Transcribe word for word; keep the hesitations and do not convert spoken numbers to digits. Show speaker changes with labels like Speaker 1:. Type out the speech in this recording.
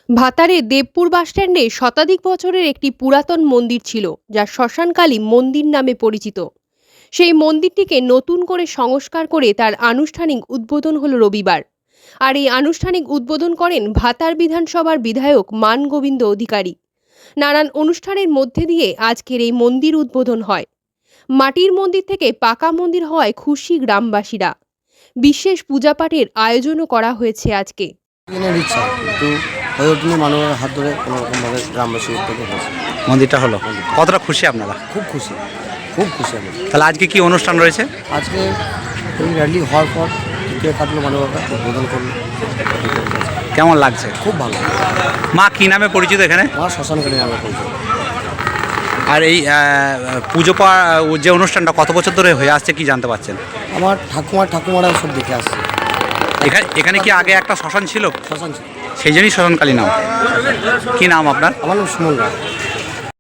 Speaker 1: ভাতারের দেবপুর বাসস্ট্যান্ডে শতাধিক বছরের একটি পুরাতন মন্দির ছিল, যা শ্মশানকালী মন্দির নামে পরিচিত। সেই মন্দিরটিকে নতুন করে সংস্কার করে তার আনুষ্ঠানিক উদ্বোধন হলো রবিবার। আর এই আনুষ্ঠানিক উদ্বোধন করেন ভাতার বিধানসভার বিধায়ক মান গোবিন্দ অধিকারী। নানান অনুষ্ঠানের মধ্যে দিয়ে আজকের এই মন্দির উদ্বোধন হয়। মাটির মন্দির থেকে পাকা মন্দির হওয়ায় খুশি গ্রামবাসীরা। বিশেষ পূজাপাঠের আয়োজনও করা হয়েছে আজকে।
Speaker 2: দিনের ইচ্ছা কিন্তু হয়ে ওঠেনি, মানুষের হাত ধরে কোনো রকমভাবে গ্রামবাসী উদ্যোগে হয়েছে।
Speaker 3: মন্দিরটা হলো, কতটা খুশি আপনারা?
Speaker 2: খুব খুশি, খুব খুশি আমি।
Speaker 3: তাহলে আজকে কি অনুষ্ঠান রয়েছে?
Speaker 2: আজকে এই র্যালি হওয়ার পর টিকিয়ে কাটলো মানবতা উদ্বোধন করলো।
Speaker 3: কেমন লাগছে?
Speaker 2: খুব ভালো।
Speaker 3: মা কি নামে পরিচিত এখানে?
Speaker 2: মা শ্মশানকালী নামে পরিচিত।
Speaker 3: আর এই আহ, পুজো পাওয়া যে অনুষ্ঠানটা কত বছর ধরে হয়ে আসছে কি জানতে পারছেন?
Speaker 2: আমার ঠাকুমার ঠাকুমারা সব দেখে আসছে।
Speaker 3: এখানে এখানে কি আগে একটা শ্মশান ছিল?
Speaker 2: শ্মশান ছিল।
Speaker 3: সেই জন্যই শ্মশানকালী নাম। কি নাম আপনার?
Speaker 2: আমার নাম সুমন রায়।